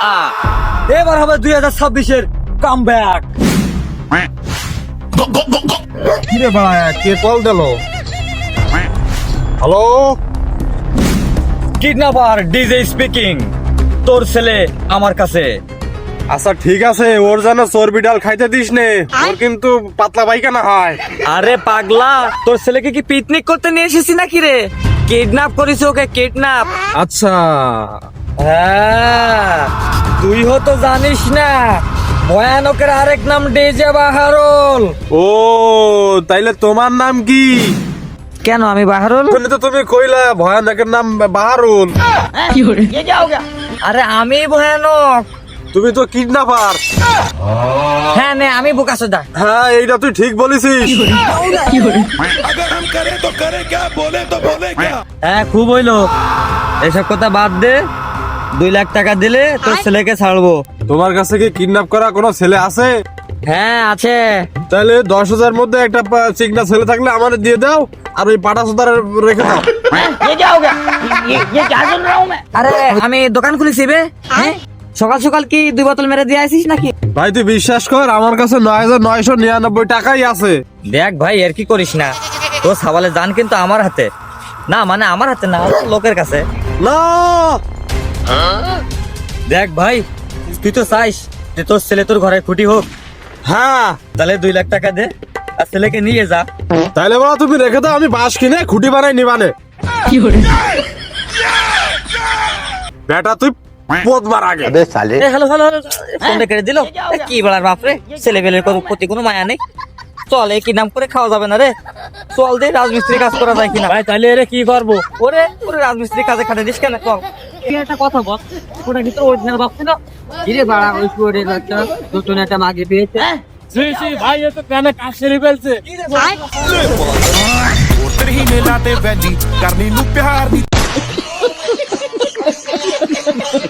এবার হবে 2026-এর কামব্যাক। কিরে ভাই কে কল দিল? Hello, kidnapper DJ speaking. তোর ছেলে আমার কাছে। আচ্ছা ঠিক আছে, ওর যেন চর্বি ডাল খাইতে দিস নে, ওর কিন্তু পাতলা পায়খানা হয়। আরে পাগলা, তোর ছেলেকে কি পিকনিক করতে নিয়ে এসেছি নাকি রে? কিডন্যাপ করিস ওকে, কিডন্যাপ। আচ্ছা হ্যাঁ, তুই হয়তো জানিস না, ভয়ানকের আরেক নাম ডিজে বাহারুল। ও তাইলে তোমার নাম কি? কেন আমি বাহারুল? শুনে তো তুমি কইলা ভয়ানকের নাম বাহারুল। আরে আমি ভয়ানক। তুমি তো কিডন্যাপার। হ্যাঁ নে, আমি বোকাচোদা। হ্যাঁ এইটা তুই ঠিক বলেছিস। अगर हम करें तो करें क्या, बोले तो बोले क्या। হ্যাঁ খুব হইলো, এসব কথা বাদ দে। 2 লাখ টাকা দিলে তোর ছেলেকে ছাড়বো। তোমার কাছে কি কিডন্যাপ করা কোনো ছেলে আছে? হ্যাঁ আছে। তাহলে 10,000 মধ্যে একটা চিকনা ছেলে থাকলে আমাদের দিয়ে দাও, আর ওই পাটা সুতার রেখে দাও। আরে আমি দোকান খুলেছি বে। হ্যাঁ, সকাল সকাল কি 2 বোতল মেরে দিয়ে আসিস নাকি? ভাই তুই বিশ্বাস কর, আমার কাছে 9,999 টাকাই আছে। দেখ ভাই, আর কি করিস না, তোর সাবালে জান কিন্তু আমার হাতে না, মানে আমার হাতে না, লোকের কাছে। না দেখ ভাই, তুই তো চাইস যে তোর ছেলে তোর ঘরে খুঁটি হোক। হ্যাঁ, তাহলে 2 লাখ টাকা দে আর ছেলেকে নিয়ে যা। তাইলে বলা তুমি রেখে দাও, আমি বাঁশ কিনে খুঁটি বানাই নিবানে। বেটা তুই পদবার আগে। হ্যালো হ্যালো, ফোনটা কেটে দিল। কি বলার বাপরে, ছেলে বেলের প্রতি কোনো মায়া নেই। চল, এই কি নাম করে খাওয়া যাবে না রে। চল দে, রাজমিস্ত্রি কাজ করা যায় কিনা। ভাই তাহলে এরে কি করবো? ওরে ওরে রাজমিস্ত্রি কাজে খাটে দিস কেন? চল, কি একটা কথা বল, ওটা কিন্তু অরিজিনাল ভাবছি না। কিরে বাড়া, ওই শুয়োরের বাচ্চা নতুন একটা মাগে পেয়েছে। ভাই এ তো প্যানে কাজ সেরে ফেলছে। ਉਤਰ ਹੀ ਮੇਲਾ ਤੇ ਵੈਲੀ ਕਰਨੀ ਨੂੰ ਪਿਆਰ ਦੀ